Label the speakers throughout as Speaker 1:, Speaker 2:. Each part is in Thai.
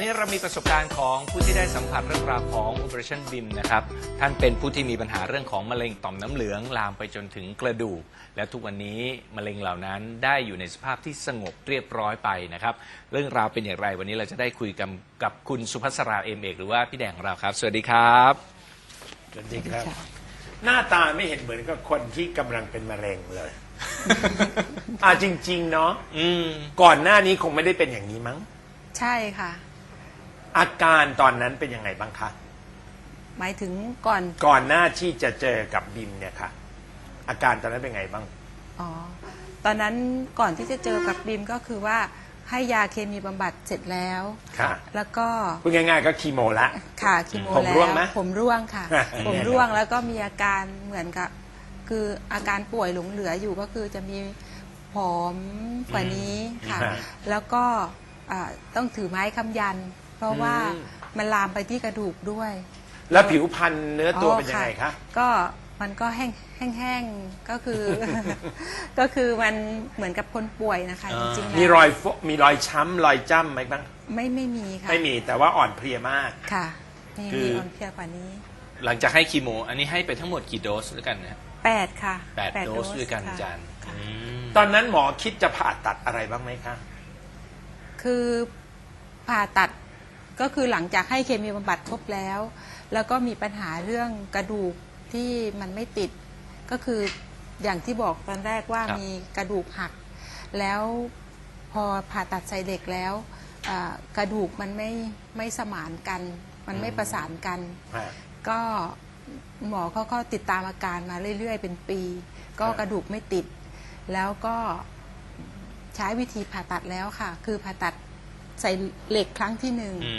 Speaker 1: นี้เรามีประสบการณ์ของผู้ที่ได้สัมผัสเรื่องราวของ Operation BIM นะครับท่านเป็นผู้ที่มีปัญหาเรื่องของมะเร็งต่อมน้ำเหลืองลามไปจนถึงกระดูกและทุกวันนี้มะเร็งเหล่านั้นได้อยู่ในสภาพที่สงบเรียบร้อยไปนะครับเรื่องราวเป็นอย่างไรวันนี้เราจะได้คุยกับคุณสุภัสราเอมเอกหรือว่าพี่แดงของเราครับสวัสดีครับ
Speaker 2: สวัสดีครับ หน้าตาไม่เห็นเหมือนกับคนที่กำลังเป็นมะเร็งเลย จริงๆเนาะก่อนหน้านี้คงไม่ได้เป็นอย่างนี้มั้ง
Speaker 3: ใช่ค่ะ
Speaker 2: อาการตอนนั้นเป็นยังไงบ้างคะ
Speaker 3: หมายถึง
Speaker 2: ก่อนหน้าที่จะเจอกับบิมเนี่ยค่ะอาการตอนนั้นเป็นไงบ้าง
Speaker 3: อ๋อตอนนั้นก่อนที่จะเจอกับบิมก็คือว่าให้ยาเคมีบำบัดเสร็จแล้ว
Speaker 2: ค่ะ
Speaker 3: แล้วก็
Speaker 2: พูดง่ายๆก็คีโมละ
Speaker 3: ค่ะคีโมแล้วผมร่วงไหมผมร่วงค่ะ ผมร่วงแล้วก็มีอาการเหมือนกับคืออาการป่วยหลงเหลืออยู่ก็คือจะมีผอมกว่านี้ค่ะแล้วก็ต้องถือไม้ค้ำยันเพราะว่ามันลามไปที่กระดูกด้วย
Speaker 2: แล้วผิวพรรณเนื้อตัวเป็นยังไงคะ
Speaker 3: ก็มันก็แห้งๆก็คือ ก็คือมันเหมือนกับคนป่วยนะคะจริงๆแล้ว
Speaker 2: มีรอยช้ำรอยจ้ำไหมบ้าง
Speaker 3: ไม่มีค่ะ
Speaker 2: ไม่มีแต่ว่าอ่อนเพลียมาก
Speaker 3: ค่ะมีอ่อนเพลียกว่านี้
Speaker 1: หลังจากให้คีโมอันนี้ให้ไปทั้งหมดกี่โดสด้วยกันนะ
Speaker 3: 8ค่ะ
Speaker 1: 8 โดสด้วยกันอาจารย์
Speaker 2: ตอนนั้นหมอคิดจะผ่าตัดอะไรบ้างไหมคะ
Speaker 3: คือผ่าตัดก็คือหลังจากให้เคมีบำบัดครบแล้วแล้วก็มีปัญหาเรื่องกระดูกที่มันไม่ติดก็คืออย่างที่บอกตอนแรกว่ามีกระดูกหักแล้วพอผ่าตัดใส่เหล็กแล้วกระดูกมันไม่สมานกันมันไม่ประสานกันก็หมอเขาก็ติดตามอาการมาเรื่อยๆเป็นปีก็กระดูกไม่ติดแล้วก็ใช้วิธีผ่าตัดแล้วค่ะคือผ่าตัดใส่เหล็กครั้งที่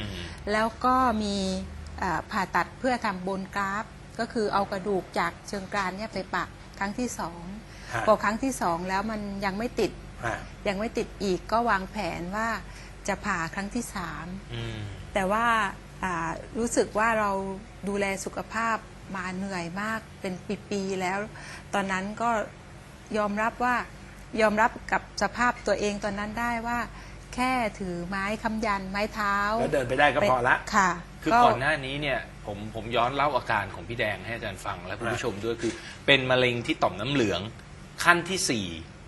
Speaker 3: 1แล้วก็มีผ่าตัดเพื่อทำโบนกราฟก็คือเอากระดูกจากเชิงกรานเนี่ยไปปักครั้งที่2พอครั้งที่2แล้วมันยังไม่ติดอีกก็วางแผนว่าจะผ่าครั้งที่3แต่ว่ารู้สึกว่าเราดูแลสุขภาพมาเหนื่อยมากเป็นปีๆแล้วตอนนั้นก็ยอมรับกับสภาพตัวเองตอนนั้นได้ว่าแค่ถือไม้ค้ำยันไม้เท้า
Speaker 2: แล้วเดินไปได้ก็พอละ
Speaker 3: ค่ะ
Speaker 1: คือก่อนหน้านี้เนี่ยผมย้อนเล่าอาการของพี่แดงให้อาจารย์ฟังและคุณผู้ชมด้วยคือเป็นมะเร็งที่ต่อมน้ำเหลืองขั้นที่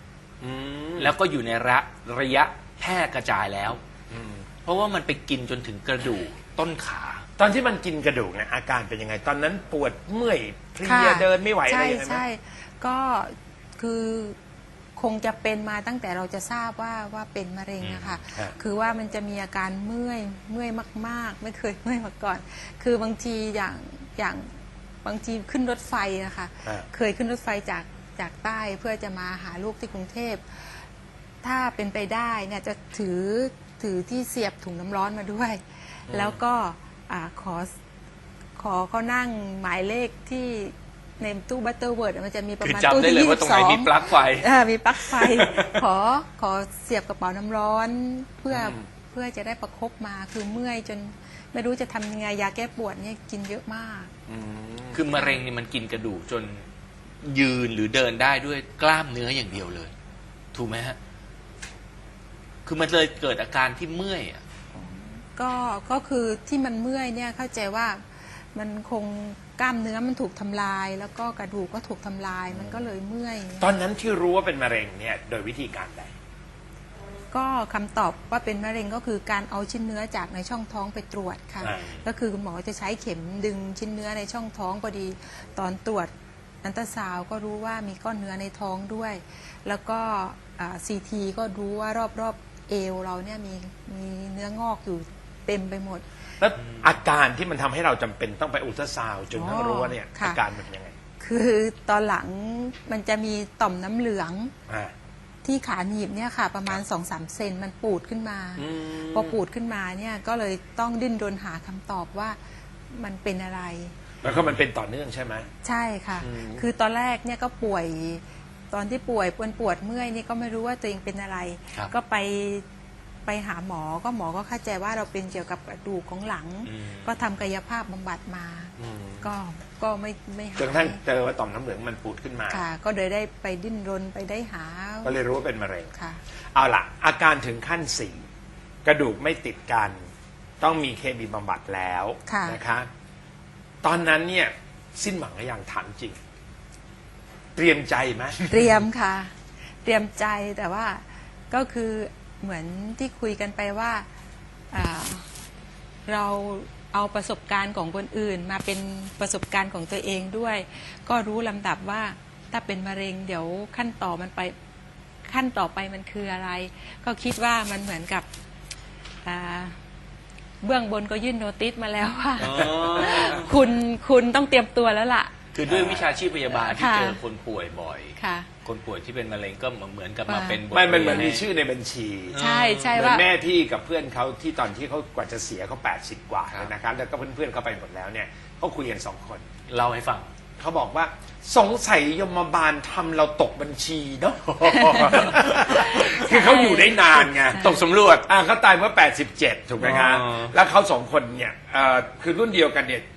Speaker 1: 4แล้วก็อยู่ในระยะแพร่กระจายแล้วเพราะว่ามันไปกินจนถึงกระดูกต้นขา
Speaker 2: ตอนที่มันกินกระดูกเนี่ยอาการเป็นยังไงตอนนั้นปวดเมื่อยเพลียเดินไม่ไหวอะไรยังไงไหม
Speaker 3: ใช่ก็คือคงจะเป็นมาตั้งแต่เราจะทราบว่าเป็นมะเร็งอะค่ะคือว่ามันจะมีอาการเมื่อยมากๆไม่เคยเมื่อยมาก่อนคือบางทีอย่างบางทีขึ้นรถไฟนะคะเคยขึ้นรถไฟจากใต้เพื่อจะมาหาลูกที่กรุงเทพถ้าเป็นไปได้เนี่ยจะถือที่เสียบถุงน้ำร้อนมาด้วยแล้วก็ขอเขานั่งหมายเลขที่ในตู้บัตเตอร์เวิร์ดมันจะมีประมาณตู้ที่22
Speaker 1: มีปลั๊กไฟ
Speaker 3: มีปลั๊กไฟขอเสียบกระเป๋าน้ำร้อนเพื่อจะได้ประคบมาคือเมื่อยจนไม่รู้จะทำยังไงยาแก้ปวดเนี่ยกินเยอะมาก
Speaker 1: คือมะเร็งนี่มันกินกระดูกจนยืนหรือเดินได้ด้วยกล้ามเนื้ออย่างเดียวเลยถูกไหมฮะคือมันเลยเกิดอาการที่เมื่อย
Speaker 3: ก็คือที่มันเมื่อยเนี่ยเข้าใจว่ามันคงกล้ามเนื้อมันถูกทำลายแล้วก็กระดูกก็ถูกทำลายมันก็เลยเมื่อย
Speaker 2: ตอนนั้นที่รู้ว่าเป็นมะเร็งเนี่ยโดยวิธีการใด
Speaker 3: ก็คำตอบว่าเป็นมะเร็งก็คือการเอาชิ้นเนื้อจากในช่องท้องไปตรวจค่ะก็คือคุณหมอจะใช้เข็มดึงชิ้นเนื้อในช่องท้องพอดีตอนตรวจอัลตราซาวด์ก็รู้ว่ามีก้อนเนื้อในท้องด้วยแล้วก็CT ก็รู้ว่ารอบเอวเราเนี่ยมีเนื้องอกอยู่เต็มไปหมด
Speaker 2: แล้วอาการที่มันทำให้เราจำเป็นต้องไปอัลตราซาวด์จนทั้งรู้ว่าเนี่ยอาการมันยังไง
Speaker 3: คือตอนหลังมันจะมีต่อมน้ำเหลืองที่ขาหนีบเนี่ยค่ะประมาณ 2-3 เซนมันปูดขึ้นมาพอปูดขึ้นมาเนี่ยก็เลยต้องดิ้นรนหาคำตอบว่ามันเป็นอะไร
Speaker 2: แล้วก็มันเป็นต่อเนื่องใช่ไหม
Speaker 3: ใช่ค่ะคือตอนแรกเนี่ยก็ป่วยตอนที่ป่วยปวดเมื่อยนี่ก็ไม่รู้ว่าตัวเองเป็นอะไรก็ไปหาหมอก็เข้าใจว่าเราเป็นเกี่ยวกับกระดูกของหลังก็ทำกายภาพบำบัดมาก็ไม่หาย
Speaker 2: จนกระทั่งเจอว่าต่อมน้ำเหลืองมันปูดขึ้นมา
Speaker 3: ค่ะก็เลยได้ไปดิ้นรนไปได้หา
Speaker 2: ก็เลยรู้ว่าเป็นมะเร็ง
Speaker 3: ค่ะ
Speaker 2: เอาล่ะอาการถึงขั้น4กระดูกไม่ติดกันต้องมีเคมีบำบัดแล้ว
Speaker 3: ค่ะ
Speaker 2: นะคะ ตอนนั้นเนี่ยสิ้นหวังหรือยังถามจริง เตรียมใจไหม
Speaker 3: เตรียมค่ะ เตรียมใจแต่ว่าก็คือเหมือนที่คุยกันไปว่าเราเอาประสบการณ์ของคนอื่นมาเป็นประสบการณ์ของตัวเองด้วย ก็รู้ลำดับว่าถ้าเป็นมะเร็งเดี๋ยวขั้นต่อไปมันคืออะไร ก็คิดว่ามันเหมือนกับเบื้องบนก็ยื่นโนติสมาแล้วว่า คุณต้องเตรียมตัวแล้วล่ะ
Speaker 1: คือด้วยวิชาชีพพยาบาลที่
Speaker 3: ค่ะ
Speaker 1: เจอคนป่วยบ่อย
Speaker 3: ค่ะ
Speaker 1: คนป่วยที่เป็นมะเร็งก็เหมือนกับมาเป็นบท
Speaker 2: มันเหมือน
Speaker 1: รีย
Speaker 2: มีชื่อในบัญชี
Speaker 3: ใช่ใช่
Speaker 2: เหมือ
Speaker 3: ว่า
Speaker 2: นแม่พี่กับเพื่อนเขาที่ตอนที่เขากว่าจะเสียเขา80 กว่า
Speaker 1: ครับ
Speaker 2: นะครับแล้วก็เพื่อนๆเขาไปหมดแล้วเนี่ยเขาคุยกัน2 คน
Speaker 1: เล่าให้ฟัง
Speaker 2: เขาบอกว่าสงสัยยมบาลทำเราตกบัญชีเนาะ คือเขาอยู่ได้นานไง
Speaker 1: ตกสำรวจ
Speaker 2: เขาตายเมื่อ87ถูกไหมคะ
Speaker 1: อ๋อ
Speaker 2: แล้วเขา2 คนเนี่ยคือรุ่นเดียวกันเนี่ย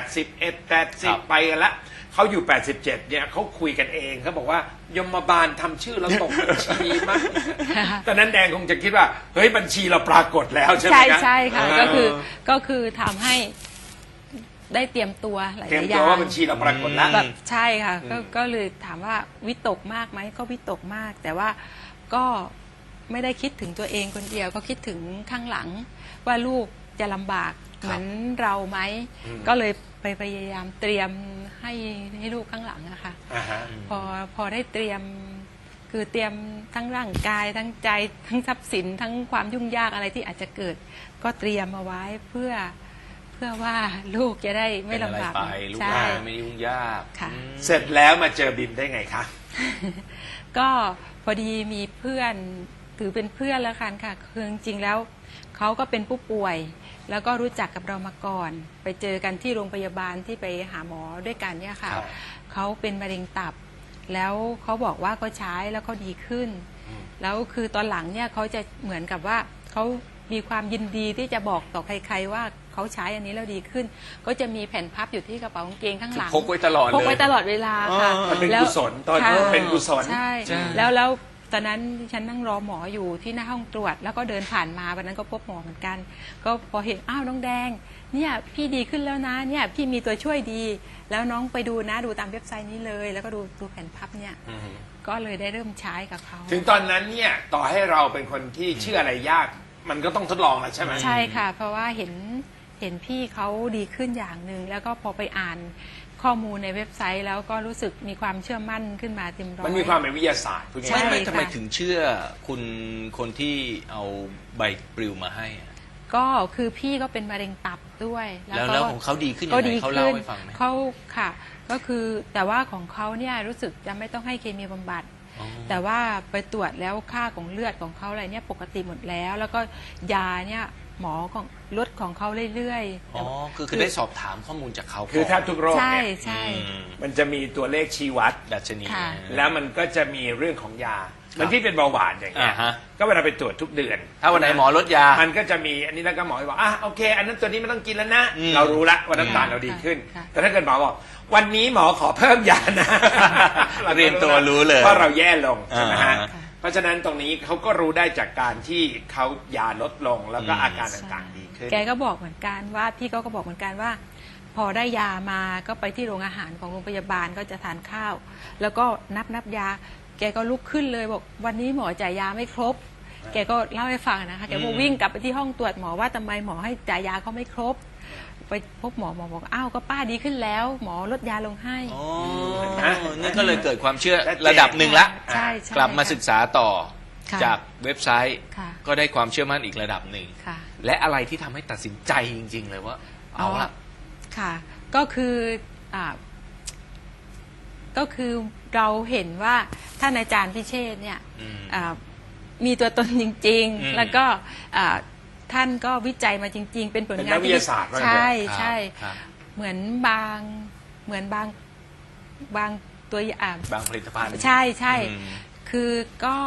Speaker 2: 81
Speaker 1: ครับ
Speaker 2: 80ไปกันละเขาอยู่87เนี่ยเขาคุยกันเองเขาบอกว่ายมบาลทำชื่อเราตกบัญชีมั้งตอนนั้นแดงคงจะคิดว่าเฮ้ยบัญชีเราปรากฏแล้วใช่ไหม
Speaker 3: ใช่
Speaker 2: คะ
Speaker 3: ใช่ค่ะก็คือทำให้ได้เตรียมตัวหลาย
Speaker 2: เตรียม
Speaker 3: ๆอ
Speaker 2: ตัว
Speaker 3: ย่าง
Speaker 2: ว่าบัญชีเราปรากฏแล้ว
Speaker 3: แบบใช่ค่ะก็เลยถามว่าวิตกมากไหมก็วิตกมาก แต่ว่าก็ไม่ได้คิดถึงตัวเองคนเดียวก็คิดถึงข้างหลัง ว่าลูกจะลำบากเหมือนเราไหมก็เลยไปพยายามเตรียมให้ลูกข้างหลังอะค่ะ
Speaker 2: อ่าฮะ
Speaker 3: พอได้เตรียมคือเตรียมทั้งร่างกายทั้งใจทั้งทรัพย์สินทั้งความยุ่งยากอะไรที่อาจจะเกิด ก็เตรียมเอาไว้เพื่อว่าลูกจะได้ไม่
Speaker 1: เป็นอะไร
Speaker 3: ลำบาก
Speaker 1: ไปลูก
Speaker 3: ใช่
Speaker 1: หลานไม่ยุ่งยาก
Speaker 3: ค่ะ
Speaker 2: เสร็จแล้วมาเจอบิมได้ไงคะ
Speaker 3: ก็พอดีมีเพื่อนถือเป็นเพื่อนแล้วกันค่ะคือจริงๆแล้วเขาก็เป็นผู้ป่วย แล้วก็รู้จักกับเรามาก่อน ไปเจอกันที่โรงพยาบาลที่ไปหาหมอด้วยกันเนี่ยค่ะ
Speaker 2: ครับ
Speaker 3: เขาเป็นมะเร็งตับ แล้วเขาบอกว่าเขาใช้แล้วเขาดีขึ้น แล้วคือตอนหลังเนี่ยเขาจะเหมือนกับว่าเขามีความยินดีที่จะบอกต่อใครๆว่าเขาใช้อันนี้แล้วดีขึ้น ก็จะมีแผ่นพับอยู่ที่กระเป๋ากางเกงข้างหลัง
Speaker 1: พกไว้ตลอดเลย
Speaker 3: พกไว้ตลอดเวลาค่ะ
Speaker 2: มันเป็น
Speaker 3: แล้ว
Speaker 2: กุศลตอน
Speaker 3: ค่ะ
Speaker 2: เป็นกุศล
Speaker 3: ใช่
Speaker 1: ใช่
Speaker 3: แล้วตอนนั้นฉันนั่งรอหมออยู่ที่หน้าห้องตรวจ แล้วก็เดินผ่านมาวันนั้นก็พบหมอเหมือนกัน ก็พอเห็นอ้าวน้องแดงเนี่ยพี่ดีขึ้นแล้วนะเนี่ยพี่มีตัวช่วยดี แล้วน้องไปดูนะดูตามเว็บไซต์นี้เลย แล้วก็ดูแผ่นพับเนี่ยก็เลยได้เริ่มใช้กับเขา
Speaker 2: ถึงตอนนั้นเนี่ยต่อให้เราเป็นคนที่เชื่ออะไรยาก มันก็ต้องทดลองแหละใช่ไหม
Speaker 3: ใช่ค่ะ เพราะว่าเห็นพี่เขาดีขึ้นอย่างหนึ่งแล้วก็พอไปอ่านข้อมูลในเว็บไซต์ แล้วก็รู้สึกมีความเชื่อมั่นขึ้นมาเต็มร้อย
Speaker 2: มันมีความเป็นวิทยาศาสตร์พูด
Speaker 3: ใช่
Speaker 2: ง่าย
Speaker 1: ไม่
Speaker 3: ค่ะ
Speaker 1: ทำไมถึงเชื่อคุณคนที่เอาใบปลิวมาให้อะ
Speaker 3: ก็คือพี่ก็เป็นมะเร็งตับด้วย
Speaker 1: แล้วของเขาดีขึ้นยัง
Speaker 3: ก็
Speaker 1: ไง
Speaker 3: ดี
Speaker 1: เขา
Speaker 3: ขึ้
Speaker 1: เล่าน ให้ฟังไหม
Speaker 3: เขาค่ะ ก็คือแต่ว่าของเขาเนี่ยรู้สึกจะไม่ต้องให้เคมีบำบัด
Speaker 1: อ๋อ
Speaker 3: แต่ว่าไปตรวจแล้วค่าของเลือดของเขาอะไรเนี่ยปกติหมดแล้ว แล้วก็ยาเนี่ยหมอของลดของเขาเรื่อยๆ
Speaker 1: อ๋อคือได้สอบถามข้อมูลจากเขา
Speaker 2: ๆคือแทบทุกโรค
Speaker 3: ใช่
Speaker 2: เนี่ย
Speaker 3: ใช่
Speaker 1: อืม
Speaker 2: มันจะมีตัวเลขชี้วัด
Speaker 1: ดัชนี
Speaker 3: ค่ะ
Speaker 2: แล้วมันก็จะมีเรื่องของยาเหมันที่เป็นเบาหวานอย่างเงี้ย
Speaker 1: อ่าฮะ
Speaker 2: ก็เวลาไปตรวจทุกเดือน
Speaker 1: ถ้าวันไหนหมอลดยา
Speaker 2: มันก็จะมีอันนี้แล้วก็หมอบอกโอเค อันนั้นตัวนี้ไม่ต้องกินแล้วนะ
Speaker 1: อืม
Speaker 2: เรารู้ละว่าน้ำตาลเราดีขึ้น
Speaker 3: ค่ะ
Speaker 2: แต่ถ้าเกิดหมอบอกวันนี้หมอขอเพิ่มยานะ
Speaker 1: เรียนตัวรู้เลย
Speaker 2: เพราะเราแย่ลงใช่ไหมฮะ
Speaker 1: อ่า
Speaker 2: เพราะฉะนั้นตรงนี้เขาก็รู้ได้จากการที่เขายาลดลงแล้วก็อาการต่างๆดีขึ้น
Speaker 3: แกก็บอกเหมือนกันว่าพี่ก็บอกเหมือนกันว่า พอได้ยามาก็ไปที่โรงอาหารของโรงพยาบาลก็จะทานข้าว แล้วก็นับยา แกก็ลุกขึ้นเลยบอกวันนี้หมอจ่ายยาไม่ครบ แกก็เล่าให้ฟังนะคะแกก็วิ่งกลับไปที่ห้องตรวจหมอว่าทำไมหมอให้จ่ายยาเขาไม่ครบ ไปพบหมอบอกอ้าวก็ป้าดีขึ้นแล้ว หมอลดยาลงให้
Speaker 1: อ๋อ
Speaker 2: ฮะ
Speaker 1: นี่ก็เลยเกิดความเชื่อ
Speaker 2: ชัดเจน
Speaker 1: ระดับหนึ่งละ
Speaker 3: ใช่ใช่
Speaker 1: กลับมาศึกษาต่อ
Speaker 3: ค่ะ
Speaker 1: จากเว็บไซต์
Speaker 3: ค่ะ
Speaker 1: ก็ได้ความเชื่อมั่นอีกระดับหนึ่ง
Speaker 3: ค่ะ
Speaker 1: และอะไรที่ทำให้ตัดสินใจจริง ๆ เลยว่า เอาละ
Speaker 3: ค่ะ ก็คืออ่าก็คือเราเห็นว่าท่านอาจารย์พิเชษฐ์เนี่ย
Speaker 1: อืม
Speaker 3: มีตัวตนจริง
Speaker 1: อืม
Speaker 3: ๆ แล้วก็ท่านก็วิจัยมาจริง ๆ เป็นผล
Speaker 2: เป็น
Speaker 3: งา
Speaker 2: นั
Speaker 3: น
Speaker 2: กวิทยาศาสตร์ว่างั้นเถอะ
Speaker 3: ใช่
Speaker 1: ครับ
Speaker 3: ใช่
Speaker 1: ครับ
Speaker 3: เหมือนบางตัวอย่าง
Speaker 1: บางผลิตภัณฑ์
Speaker 3: ใช่ใช่
Speaker 1: อืม
Speaker 3: คือก็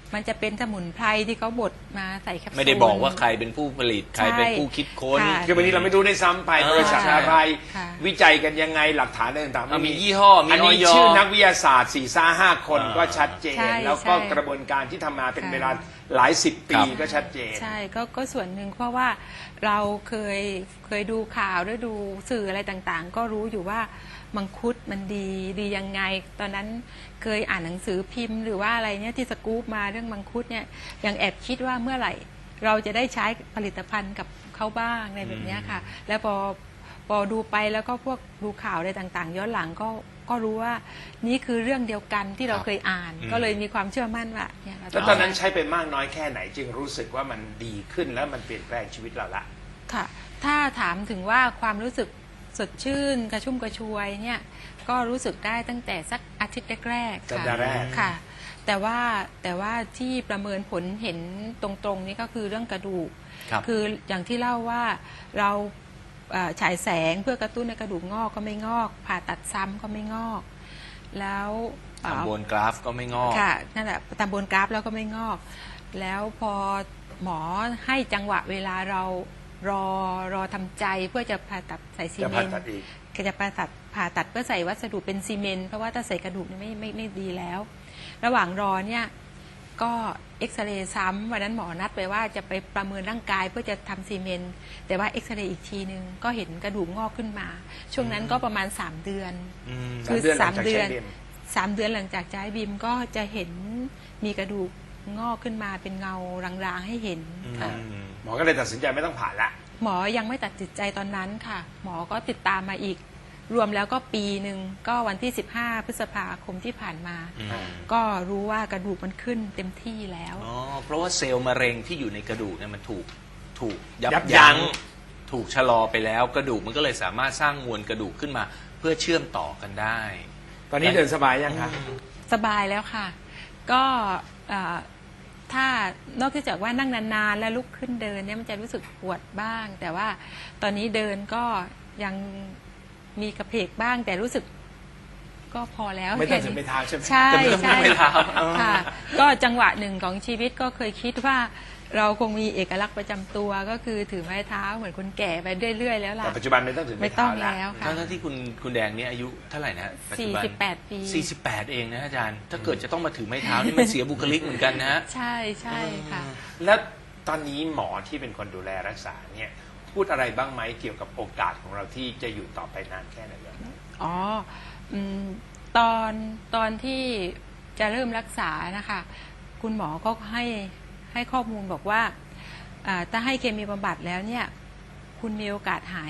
Speaker 3: มันจะเป็นสมุนไพรที่เขาบดมาใส่แคปซูล
Speaker 1: ไม่ได้บอกว่าใครเป็นผู้ผลิตใครเป็นผู้คิดค้น
Speaker 3: ค่ะ
Speaker 2: คือวันนี้เราไม่รู้ได้ซ้ำไป
Speaker 1: อ่า
Speaker 2: บริษัทอะไร
Speaker 3: ค่ะ
Speaker 2: วิจัยกันยังไงหลักฐานอะไรต่างๆ
Speaker 1: มียี่ห้อมี
Speaker 2: อันนี้
Speaker 1: อย
Speaker 2: ชื่อนักวิทยาศาสตร์4-5 คน
Speaker 1: อ่า
Speaker 2: ก็ชัดเจน
Speaker 3: ใช่
Speaker 2: แล้วก็
Speaker 3: ใช่
Speaker 2: กระบวนการที่ทำมาเป็น
Speaker 3: ค่ะ
Speaker 2: เวลาหลายสิบปี
Speaker 1: ครับ
Speaker 2: ก็ชัดเจน
Speaker 3: ใช่ก็ส่วนหนึ่งเพราะว่าเราเคยดูข่าวหรือดูสื่ออะไรต่างๆ ก็รู้อยู่ว่ามังคุดมันดียังไง ตอนนั้นเคยอ่านหนังสือพิมพ์หรือว่าอะไรเนี่ยที่สกู๊ปมาเรื่องมังคุดเนี่ยยังแอบคิดว่าเมื่อไหร่เราจะได้ใช้ผลิตภัณฑ์กับเขาบ้างในแบบเนี้ยค่ะ แล้วพอดูไปแล้วก็พวกดูข่าวอะไรต่างๆ ย้อนหลังก็รู้ว่านี่คือเรื่องเดียวกันที่เราเคยอ่าน ก็เลยมีความเชื่อมั่นว่าเนี่ยเรา
Speaker 2: แล้วตอนนั้นใช้ไปมากน้อยแค่ไหนจึงรู้สึกว่ามันดีขึ้นแล้วมันเปลี่ยนแปลงชีวิตเราละ
Speaker 3: ค่ะถ้าถามถึงว่าความรู้สึกสดชื่นกระชุ่มกระชวยเนี่ยก็รู้สึกได้ตั้งแต่สักอาทิตย์แรกๆ
Speaker 2: สัปดาห์แรก
Speaker 3: ค่ะ แต่ว่าที่ประเมินผลเห็นตรงๆนี่ก็คือเรื่องกระดูก
Speaker 1: ครับ
Speaker 3: คืออย่างที่เล่าว่าเราฉายแสงเพื่อกระตุ้นในกระดูกงอกก็ไม่งอก ผ่าตัดซ้ำก็ไม่งอก แล้วเอ่อ
Speaker 1: ทำบนกราฟก็ไม่งอก
Speaker 3: ค่ะนั่นแหละตามบนกราฟแล้วก็ไม่งอก แล้วพอหมอให้จังหวะเวลาเรารอทำใจเพื่อจะผ่าตัดใส่ซี
Speaker 2: จะ
Speaker 3: เม
Speaker 2: ผ่าน
Speaker 3: ต์
Speaker 2: ตัดอีก
Speaker 3: ก็จะผ่าตัดเพื่อใส่วัสดุเป็นซีเมนต์เพราะว่าถ้าใส่กระดูกนี่ไม่ดีแล้ว ระหว่างรอเนี่ยก็เอ็กซเรย์ซ้ำวันนั้นหมอนัดไปว่าจะไปประเมินร่างกายเพื่อจะทำซีเมนต์แต่ว่าเอ็กซเรย์อีกทีนึงก็เห็นกระดูกงอกขึ้นมา ช่วงนั้นก็ประมาณ3 เดือน คือ
Speaker 2: 3 เดือนหลังจากใช้บิม
Speaker 3: 3 เดือนหลังจากใช้บิมก็จะเห็นมีกระดูกงอกขึ้นมาเป็นเงารางๆให้เห็นค่ะ
Speaker 2: หมอก็เลยตัดสินใจไม่ต้องผ่าละ
Speaker 3: หมอยังไม่ตัดสินใจตอนนั้นค่ะ หมอก็ติดตามมาอีก รวมแล้วก็ปีหนึ่งก็วันที่15 พฤษภาคมที่ผ่านมา ก็รู้ว่ากระดูกมันขึ้นเต็มที่แล้ว
Speaker 1: อ๋อเพราะว่าเซลล์มะเร็งที่อยู่ในกระดูกเนี่ยมันถูกยั
Speaker 2: ยั
Speaker 1: บบ ยั้
Speaker 2: ยั้
Speaker 1: ง
Speaker 2: ง
Speaker 1: ถูกชะลอไปแล้วกระดูกมันก็เลยสามารถสร้างมวลกระดูกขึ้นมา เพื่อเชื่อมต่อกันได้
Speaker 2: ตอนนี้เดินสบายยังคะ
Speaker 3: สบายแล้วค่ะ ก็ถ้านอกจากว่านั่งนานๆแล้วลุกขึ้นเดินเนี่ยมันจะรู้สึกปวดบ้าง แต่ว่าตอนนี้เดินก็ยังมีกระเพกบ้าง แต่รู้สึกก็พอแล้ว
Speaker 2: ไม่ต้อง
Speaker 3: แค่
Speaker 2: ถึง
Speaker 3: นี้
Speaker 2: ไปเท้าใช่ไหม
Speaker 3: ใช่
Speaker 1: จะไม่ต้อง
Speaker 3: ใช่
Speaker 1: ไปเท้า
Speaker 3: ค่ะ ก็จังหวะหนึ่งของชีวิตก็เคยคิดว่าเราคงมีเอกลักษณ์ประจำตัวก็คือถือไม้เท้าเหมือนคนแก่ไปเรื่อยๆแล้วล่ะ
Speaker 2: แต่ปัจจุบันไม่ต้องถึง
Speaker 3: ไม่
Speaker 2: ไป
Speaker 3: ต้อ
Speaker 2: เท้าง
Speaker 3: แล้วค่ะ
Speaker 1: ทั้งที่คุณแดงเนี่ยอายุเท่าไหร่นะปัจจุบัน
Speaker 3: 48 ปี
Speaker 1: 48 เองนะอาจารย์ ถ้าเกิดจะต้องมาถือไม้เท้านี่มันเสียบุคลิกเหมือนกันนะฮะ
Speaker 3: ใช่ใช่ค่ะ
Speaker 2: แล้วตอนนี้หมอที่เป็นคนดูแลรักษาเนี่ยพูดอะไรบ้างไหมเกี่ยวกับโอกาสของเราที่จะอยู่ต่อไปนานแค่ไหนบ้าง
Speaker 3: อ๋ออืมตอนที่จะเริ่มรักษานะคะ คุณหมอก็ให้ข้อมูลบอกว่าถ้าให้เคมีบำบัดแล้วเนี่ยคุณมีโอกาสหาย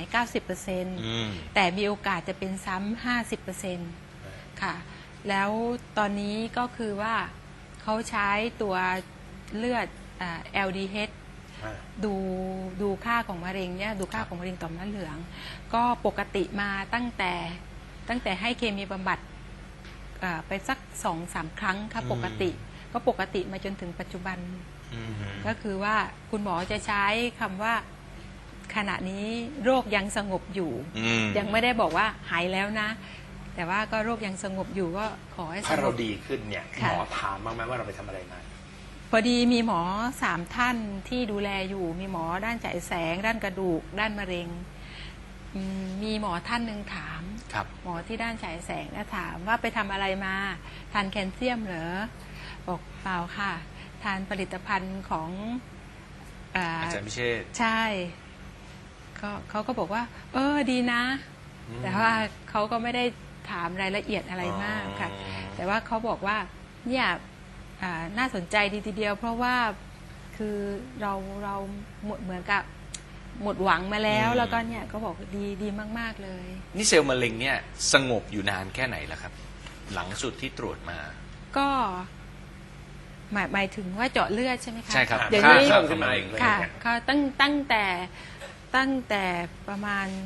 Speaker 3: 90%แต่มีโอกาสจะเป็นซ้ำ 50%ค่ะ แล้วตอนนี้ก็คือว่าเขาใช้ตัวเลือดLDH ดูค่าของมะเร็งเนี่ยดูค่าของมะเร็งต่อมน้ำเหลือง ก็ปกติมาตั้งแต่ให้เคมีบำบัดไปสัก 2-3 ครั้งค่ะปกติก็ปกติมาจนถึงปัจจุบัน ก็คือว่าคุณหมอจะใช้คำว่าขณะนี้โรคยังสงบอยู่ ยังไม่ได้บอกว่าหายแล้วนะ แต่ว่าก็โรคยังสงบอยู่ก็ขอให้ส
Speaker 2: ถ้าง เรา
Speaker 3: บ
Speaker 2: ดีขึ้นเนี่ยห
Speaker 3: ค่ะ
Speaker 2: มอถามบ้างไหมว่าเราไปทำอะไรมา
Speaker 3: พอดีมีหมอ3 ท่านที่ดูแลอยู่ มีหมอด้านฉายแสง ด้านกระดูก ด้านมะเร็งมีหมอท่านหนึ่งถาม
Speaker 1: ครับ
Speaker 3: หมอที่ด้านฉายแสงถามว่าไปทำอะไรมาทานแคลเซียมเหรอบอกเปล่าค่ะ ทานผลิตภัณฑ์ของ
Speaker 1: อาจารย์พิเชษฐ์
Speaker 3: ใช่เขาก็บอกว่า ดีนะ แต่ว่าเขาก็ไม่ได้ถามรายละเอียดอะไรมากค่ะ แต่ว่าเขาบอกว่าเนี่ยน่าสนใจดีทีเดียว เพราะว่าคือเราเหมือนกับหมดหวังมาแล้ว แล้วก็เนี่ยก็บอกดีมากๆเลย
Speaker 1: นี่เซลล์มะเร็งเนี่ยสงบอยู่นานแค่ไหนแล้วครับ หลังสุดที่ตรวจมา
Speaker 3: ก็หมายถึงว่าเจาะเลือดใช่ไหมคะ
Speaker 1: ใช่ครับ
Speaker 3: เดี๋ยว
Speaker 2: ค่า
Speaker 3: นี้
Speaker 2: เพิ่มขึ้นมาอีกเลย
Speaker 3: ค่ะ
Speaker 2: เนี่ย
Speaker 3: เขาตั้งแต่ประ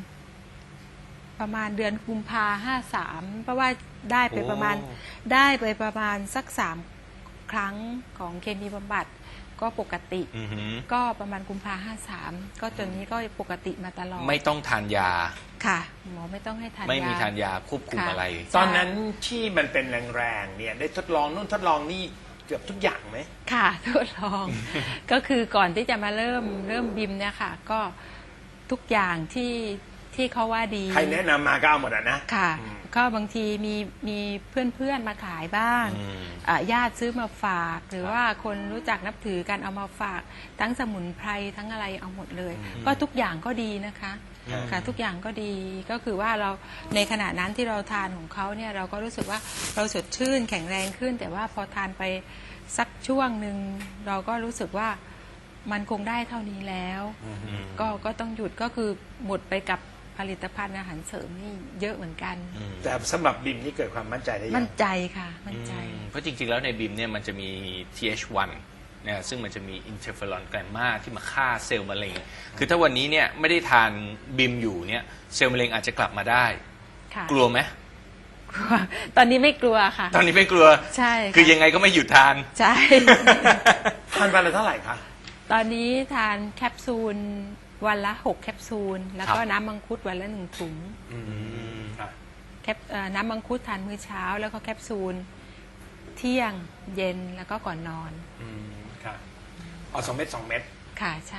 Speaker 3: มาณเดือนกุมภา53เพราะว่าได้ไปประมาณ
Speaker 1: โอ้
Speaker 3: สัก3 ครั้งของเคมีบำบัดก็ปกติ
Speaker 1: อือหือ
Speaker 3: ก็ประมาณกุมภา53ก็จนนี้ก็ปกติมาตลอด
Speaker 1: ไม่ต้องทานยา
Speaker 3: ค่ะ หมอไม่ต้องให้ทาน
Speaker 1: ไม่มี
Speaker 3: ยา
Speaker 1: ทานยาควบคุม
Speaker 3: ค่ะ
Speaker 1: อะไร
Speaker 2: ตอนนั้นที่มันเป็นแรงๆเนี่ยได้ทดลองนู่นทดลองนี่เกือบทุกอย่างไหม
Speaker 3: ค่ะทดลอง ก็คือก่อนที่จะมาเริ่มบิมเนี่ยค่ะ ก็ทุกอย่างที่เขาว่าดี
Speaker 2: ใครแนะนำมาก็เอาหมดอ่ะนะ
Speaker 3: ค่ะ ก็บางทีมีเพื่อนมาขายบ้างญาติซื้อมาฝาก หรือว่าคนรู้จักนับถือกันเอามาฝาก ทั้งสมุนไพรทั้งอะไรเอาหมดเลย ก็ทุกอย่างก็ดีนะคะค่ะทุกอย่างก็ดีก็คือว่าเราในขณะนั้นที่เราทานของเขาเนี่ยเราก็รู้สึกว่าเราสดชื่นแข็งแรงขึ้น แต่ว่าพอทานไปสักช่วงหนึ่งเราก็รู้สึกว่ามันคงได้เท่านี้แล้ว ก็ต้องหยุดก็คือหมดไปกับผลิตภัณฑ์อาหารเสริมนี่เยอะเหมือนกัน
Speaker 2: แต่สำหรับบิมนี่เกิดความมั่นใจได้ยัง
Speaker 3: มั่นใจค่ะมั่นใจ
Speaker 1: เพราะจริงๆ แล้วในบิมเนี่ยมันจะมี TH1 นะซึ่งมันจะมีอินเทอร์เฟอรอนแกรมมาที่มาฆ่าเซลล์มะเร็ง คือถ้าวันนี้เนี่ยไม่ได้ทานบิมอยู่เนี่ยเซลล์มะเร็งอาจจะกลับมาได้
Speaker 3: ค่ะ
Speaker 1: กลัวไหม
Speaker 3: กลัวตอนนี้ไม่กลัวค่ะ
Speaker 1: ตอนนี้ไม่กลัว
Speaker 3: ใช่ค่ะ
Speaker 1: คือยังไงก็ไม่หยุดทาน
Speaker 3: ใช่
Speaker 2: ทานวันละเท่าไหร่คะ
Speaker 3: ตอนนี้ทานแคปซูลวันละ6แคปซูลแล้วก็
Speaker 1: ครับ
Speaker 3: น้ำมังคุดวันละ1ถุง
Speaker 2: ค่ะ
Speaker 3: น้ำมังคุดทานมื้อเช้า แล้วก็แคปซูลเที่ยงเย็นแล้วก็ก่อนนอน
Speaker 2: ค่ะเอา2 เม็ด2 เม็ด
Speaker 3: ค่ะใช่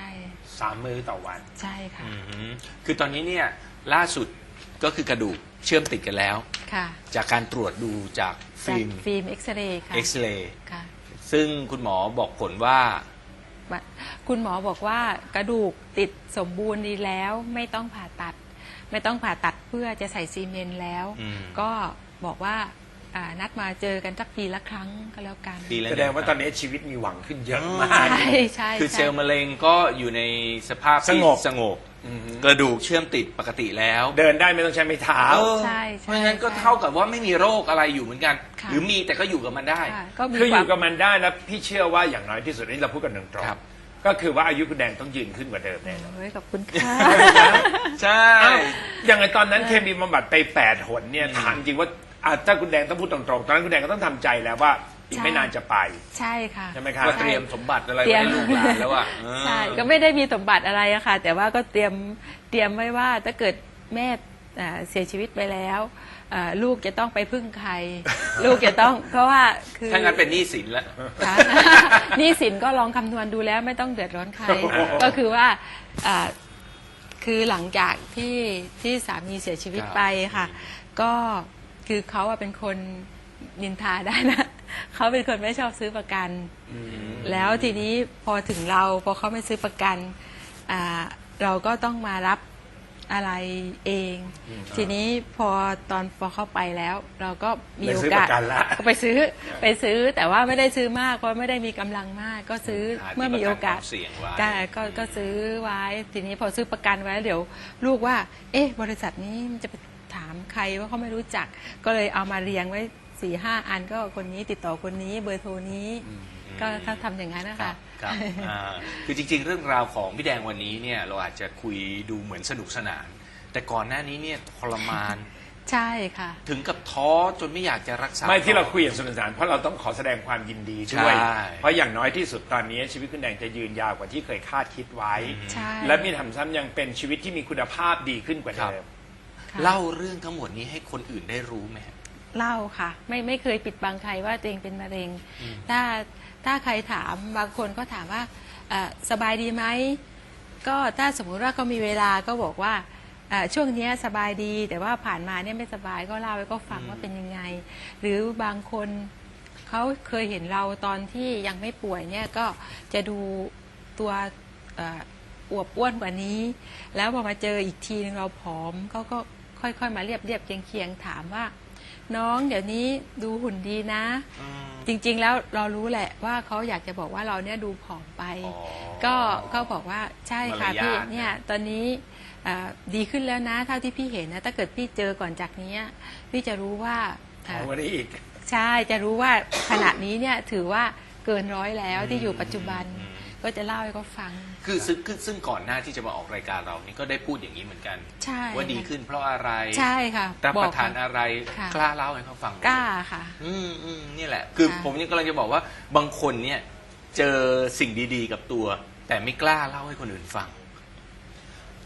Speaker 2: 3 มื้อต่อวัน
Speaker 3: ใช่ค่ะ
Speaker 1: คือตอนนี้เนี่ยล่าสุดก็คือกระดูกเชื่อมติดกันแล้ว
Speaker 3: ค่ะ
Speaker 1: จากการตรวจดูจาก
Speaker 3: จาก
Speaker 1: ฟิล์ม
Speaker 3: ฟิล์มเอ็กซเรย์ค่ะ
Speaker 1: เอ็กซเรย์
Speaker 3: ค่ะ
Speaker 1: ซึ่งคุณหมอบอกผลว่า
Speaker 3: คุณหมอบอกว่ากระดูกติดสมบูรณ์ดีแล้วไม่ต้องผ่าตัด ไม่ต้องผ่าตัดเพื่อจะใส่ซีเมนต์แล้ว ก็บอกว่านัดมาเจอกันสักปีละครั้งก็แล้วกัน
Speaker 1: ปีละ
Speaker 2: แสดงว่าตอนนี้ชีวิตมีหวังขึ้นเยอะมาก
Speaker 3: ใช่ใช่
Speaker 1: คือ
Speaker 3: ใช่
Speaker 1: เซลล์มะเร็งก็อยู่ในสภาพที่
Speaker 2: สงบ
Speaker 1: สงบกระดูกเชื่อมติดปกติแล้ว
Speaker 2: เดินได้ไม่ต้องใช้ไม้เท้า
Speaker 1: เออ
Speaker 3: ใช่
Speaker 1: เพราะฉะนั้นก็เท่ากับว่าไม่มีโรคอะไรอยู่เหมือนกัน
Speaker 3: ค่ะ
Speaker 1: หรือมีแต่ก็อยู่กับมันได้
Speaker 3: ค่ะก็มี
Speaker 2: คืออ
Speaker 3: ความ
Speaker 2: ยู่กับมันได้แล้วพี่เชื่อว่าอย่างน้อยที่สุดนี่เราพูดกันตรง
Speaker 1: ครับ
Speaker 2: ๆก็คือว่าอายุคุณแดงต้องยืนขึ้นกว่าเดิมแน่นอน
Speaker 3: โอ้ยขอบคุณค่ะ
Speaker 1: ใช่
Speaker 2: อ้าวอย่างไอตอนนั้นเคมีบำบัดไป8 หนเนี่ยถามจริงว่าถ้าคุณแดงต้องพูดตรงๆตอนนั้นคุณแดงก็ต้องทำใจแล้วว่าอีกไม่นานจะไป
Speaker 3: ใช่ค่ะ
Speaker 2: ใช่ไหมครับ
Speaker 1: ว่าเตรียมสมบัติอะไร
Speaker 3: เตรี
Speaker 1: ไว้
Speaker 3: ยม
Speaker 1: ให้ลูกหลานแล้วอ่ะ
Speaker 3: ใช่ก็ไม่ได้มีสมบัติอะไรอะค่ะ แต่ว่าก็เตรียมไว้ว่าถ้าเกิดแม่เสียชีวิตไปแล้วลูกจะต้องไปพึ่งใคร ลูกจะต้องเพราะว่าคือ
Speaker 1: ถ้างั้นเป็นหนี้สินแล้ว
Speaker 3: ค่ะ หนี่สินก็ลองคำนวณดูแล้วไม่ต้องเดือดร้อนใคร ก็คือว่าคือหลังจากที่สามีเสียชีวิต
Speaker 1: ครับ
Speaker 3: ไปค่ะ ก็คือเขาเป็นคนนินทาได้นะ เขาเป็นคนไม่ชอบซื้อประกัน แล้วทีนี้พอถึงเราพอเขาไม่ซื้อประกันเราก็ต้องมารับอะไรเอง ทีนี้พอเข้าไปแล้ว เราก็มีโอกาส
Speaker 2: ไปซื้อประกันละ
Speaker 3: ก็ไปซื้อแต่ว่าไม่ได้ซื้อมากเพราะไม่ได้มีกำลังมาก ก็ซื้อ
Speaker 1: หาที่
Speaker 3: เมื่อมีโอกาส
Speaker 1: ประกันความเสี่ยงไว้
Speaker 3: ก็ซื้อไว้ ทีนี้พอซื้อประกันไว้เดี๋ยวลูกว่า เอ๊ะบริษัทนี้มันจะไปถามใครว่าเขาไม่รู้จัก ก็เลยเอามาเรียงไว้4-5 อันก็คนนี้ติดต่อคนนี้เบอร์โทรนี้ ก็ถ้าทำอย่างนั้นนะ
Speaker 1: ครั
Speaker 3: คะ
Speaker 1: บครับคือจริงๆ เรื่องราวของพี่แดงวันนี้เนี่ยเราอาจจะคุยดูเหมือนสนุกสนาน แต่ก่อนหน้านี้เนี่ยทรมาน
Speaker 3: ใช่ค่ะ
Speaker 1: ถึงกับท้อจนไม่อยากจะรักษา
Speaker 2: ไม่ที่เราคุยอย่างสนุกสนานเพราะเราต้องขอแสดงความยินดีด้วย
Speaker 1: ใช่
Speaker 2: เพราะอย่างน้อยที่สุดตอนนี้ชีวิตคุณแดงจะยืนยาวกว่าที่เคยคาดคิดไว้
Speaker 3: ใช่
Speaker 2: และมีทำซ้ำยังเป็นชีวิตที่มีคุณภาพดีขึ้นกว่าเดิม
Speaker 3: ค่ะ
Speaker 1: เล่าเรื่องทั้งหมดนี้ให้คนอื่นได้รู้ไหม
Speaker 3: เล่าค่ะ ไม่เคยปิดบังใครว่าตัวเองเป็นมะเร็ง ถ้าใครถามบางคนก็ถามว่าสบายดีไหมก็ถ้าสมมุติว่าเขามีเวลาก็บอกว่าช่วงนี้สบายดีแต่ว่าผ่านมาเนี่ยไม่สบายก็เล่าให้ก็ฟังว่าเป็นยังไง หรือบางคนเขาเคยเห็นเราตอนที่ยังไม่ป่วยเนี่ยก็จะดูตัวอวบอ้วนกว่านี้ แล้วพอมาเจออีกทีนึงเราผอมเขาก็ค่อยๆมาเรียบเคียงๆถามว่า น้องเดี๋ยวนี้ดูหุ่นดีนะ จริงๆแล้วเรารู้แหละว่าเขาอยากจะบอกว่าเราเนี่ยดูผอมไป ก็เขาบอกว่าใช่ค่ะ
Speaker 1: มารยาท
Speaker 3: พี่เนี่ยตอนนี้ดีขึ้นแล้วนะเท่าที่พี่เห็นนะถ้าเกิดพี่เจอก่อนจากนี้พี่จะรู้ว่า
Speaker 2: เอาวันนี้อีก
Speaker 3: ใช่จะรู้ว่าขณะนี้เนี่ยถือว่าเกิน100แล้วที่อยู่ปัจจุบันก็จะเล่าให้เขาฟัง
Speaker 1: คือซึ่งก่อนหน้าที่จะมาออกรายการเรานี่ก็ได้พูดอย่างนี้เหมือนกัน
Speaker 3: ใช่
Speaker 1: ว่าดีขึ้นเพราะอะไร
Speaker 3: ใช่ค่ะ
Speaker 1: รับ
Speaker 3: บ
Speaker 1: ป
Speaker 3: อก
Speaker 1: ระทานอะไร
Speaker 3: ค่ะ
Speaker 1: กล้าเล่าให้เขาฟังไหม
Speaker 3: กล้าค่ะ
Speaker 1: นี่แหละ คือ
Speaker 3: ค่ะ
Speaker 1: ผมยังกำลังจะบอกว่าบางคนเนี่ยเจอสิ่งดีๆกับตัว แต่ไม่กล้าเล่าให้คนอื่นฟัง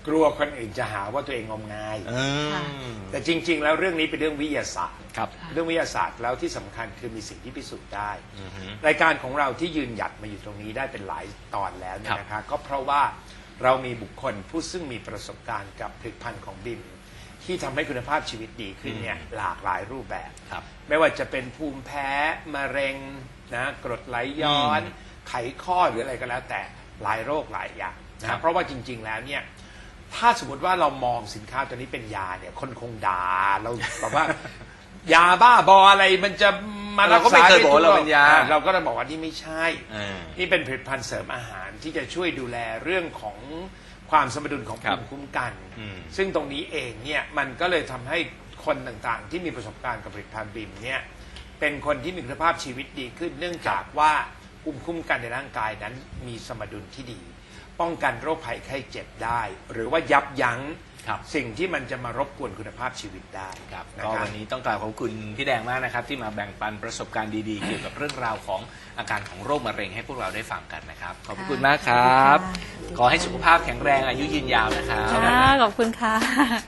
Speaker 2: กลัวคนอื่นจะหาว่าตัวเองงมงาย
Speaker 3: ค่ะ
Speaker 2: แต่จริง ๆ แล้วเรื่องนี้เป็นเรื่องวิทยาศาสตร์
Speaker 1: ครับ
Speaker 2: เรื่องวิทยาศาสตร์แล้วที่สำคัญคือมีสิ่งที่พิสูจน์ได้
Speaker 1: อือฮึ
Speaker 2: รายการของเราที่ยืนหยัดมาอยู่ตรงนี้ได้เป็นหลายตอนแล้วเนี่
Speaker 1: ครั
Speaker 2: ย
Speaker 1: บ
Speaker 2: นะคะก็เพราะว่าเรามีบุคคลผู้ซึ่งมีประสบการณ์กับผลิตภัณฑ์ของบิมที่ทำให้คุณภาพชีวิตดีขึ้นเนี่ยหลากหลายรูปแบบ
Speaker 1: ครับ
Speaker 2: ไม่ว่าจะเป็นภูมิแพ้มะเร็งนะกรดไหลย้อน ไขข้อหรืออะไรก็แล้วแต่หลายโรคหลายอย่าง
Speaker 1: ครั
Speaker 2: นะ
Speaker 1: บ
Speaker 2: เพราะว่าจริง ๆ แล้วเนี่ยถ้าสมมติว่าเรามองสินค้าตัวนี้เป็นยาเนี่ยคนคงด่าเราแบบว่า ยาบ้าบออะไรมันจะมารัก
Speaker 1: เราก็ไม่
Speaker 2: ษา
Speaker 1: เคยบอก
Speaker 2: ทุ
Speaker 1: เราเป็นยา
Speaker 2: เราก็จะบอกว่านี่ไม่ใช่
Speaker 1: เออ
Speaker 2: นี่เป็นผลิตภัณฑ์เสริมอาหารที่จะช่วยดูแลเรื่องของความสมดุลของ
Speaker 1: ครั
Speaker 2: ภู
Speaker 1: บ
Speaker 2: มิคุ้มกัน
Speaker 1: อืม
Speaker 2: ซึ่งตรงนี้เองเนี่ยมันก็เลยทำให้คนต่างๆ ที่มีประสบการณ์กับผลิตภัณฑ์บิมเนี่ยเป็นคนที่มีคุณภาพชีวิตดีขึ้น เนื่องจากว่าภูมิคุ้มกันในร่างกายนั้นมีสมดุลที่ดี ป้องกันโรคภัยไข้เจ็บได้ หรือว่ายับยั้ง
Speaker 1: ครับ
Speaker 2: สิ่งที่มันจะมารบกวนคุณภาพชีวิตได้
Speaker 1: ครับ
Speaker 2: นะ
Speaker 1: ก็
Speaker 2: ครับ
Speaker 1: วันนี้ต้องกล่าวขอบคุณพี่แดงมากนะครับ ที่มาแบ่งปันประสบการณ์ดีๆ เกี่ยวกับเรื่องราวของอาการของโรคมะเร็งให้พวกเราได้ฟังกันนะครับ ขอบคุณมากครับ ขอให้สุขภาพแข็งแรงอายุยืนยาวนะครับ
Speaker 3: ค่ะขอบคุณค่ะ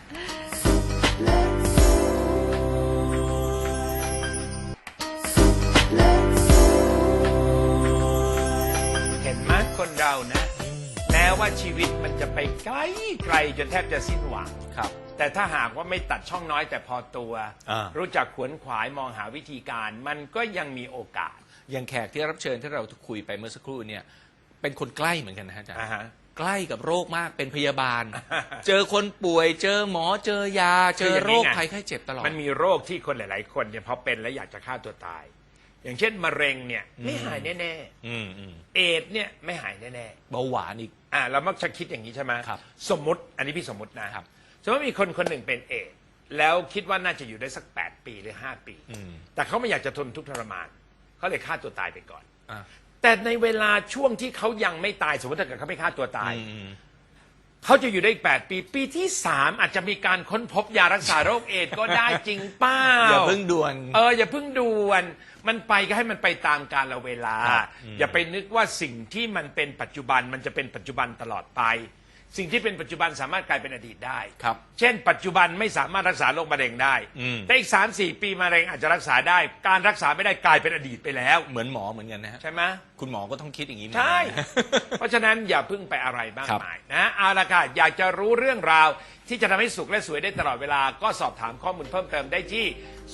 Speaker 2: เห็นไหมคนเรานะแม้ว่าชีวิตมันจะไปไกลไกลจนแทบจะสิ้นหวัง
Speaker 1: ครับ
Speaker 2: แต่ถ้าหากว่าไม่ตัดช่องน้อยแต่พอตัว
Speaker 1: อ่า
Speaker 2: รู้จักขวนขวายมองหาวิธีการ มันก็ยังมีโอกาส
Speaker 1: อย่างแขกที่รับเชิญที่เราคุยไปเมื่อสักครู่เนี่ยเป็นคนใกล้เหมือนกันนะฮะอาจารย์
Speaker 2: อ่าฮะ
Speaker 1: ใกล้กับโรคมากเป็นพยาบาล เจอคนป่วย เจอหมอเจอยา เจอโรคภัยไข้เจ็บตลอด
Speaker 2: มันมีโรคที่คนหลาย ๆ คนเนี่ยพอเป็นแล้วอยากจะฆ่าตัวตาย อย่างเช่นมะเร็งเนี่ยไม่หายแน่
Speaker 1: อืมอืม
Speaker 2: ๆเอดส์เนี่ยไม่หายแน่
Speaker 1: เบาหวานอีก
Speaker 2: ๆเรามักจะคิดอย่างนี้ใช่ไหม
Speaker 1: ครับ
Speaker 2: สมมติอันนี้พี่สมมตินะครับ สมมติมีคนคนหนึ่งเป็นเอดส์แล้วคิดว่าน่าจะอยู่ได้สัก 8 ปีหรือ 5 ปี
Speaker 1: อืม
Speaker 2: แต่เขาไม่อยากจะทนทุกข์ทรมานเขาเลยฆ่าตัวตายไปก่อน
Speaker 1: อ่ะ
Speaker 2: แต่ในเวลาช่วงที่เขายังไม่ตายสมมติถ้าเกิดเขาไม่ฆ่าตัวตาย
Speaker 1: อืม
Speaker 2: เขาจะอยู่ได้อีก8 ปี ปีที่ 3 อาจจะมีการค้นพบยารักษาโรคเอดส์ก็ได้จริงเป้า
Speaker 1: อย่าเพิ่งด่วน
Speaker 2: อย่าเพิ่งด่วน มันไปก็ให้มันไปตามกาลเวลา
Speaker 1: ครับ
Speaker 2: อย่าไปนึกว่าสิ่งที่มันเป็นปัจจุบันมันจะเป็นปัจจุบันตลอดไป สิ่งที่เป็นปัจจุบันสามารถกลายเป็นอดีตได้
Speaker 1: ครับ
Speaker 2: เช่น ปัจจุบันไม่สามารถรักษาโรคมะเร็งได้
Speaker 1: อืม
Speaker 2: แต่อีก 3-4 ปีมะเร็งอาจจะรักษาได้ การรักษาไม่ได้กลายเป็นอดีตไปแล้ว
Speaker 1: เหมือนหมอเหมือนกันนะฮะ
Speaker 2: ใช่ไหม
Speaker 1: คุณหมอก็ต้องคิดอย่างนี้เหมือน
Speaker 2: ใช่
Speaker 1: กันนะ
Speaker 2: เพราะฉะนั้นอย่าเพึ่งไปอะไรมาก
Speaker 1: ครับ
Speaker 2: มายนะเอาละค่ะอยากจะรู้เรื่องราวที่จะทำให้สุขและสวยได้ตลอดเวลา ก็สอบถามข้อมูลเพิ่มเติมได้ที่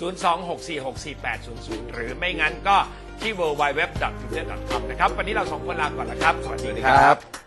Speaker 2: 026464800 หรือไม่งั้นก็ที่ www.twitter.com นะครับ วันนี้เราสองคนลาก่อนแล้วครับ สวัสดี
Speaker 1: สวัสดี
Speaker 2: ค
Speaker 1: ค
Speaker 2: รั
Speaker 1: รับ บ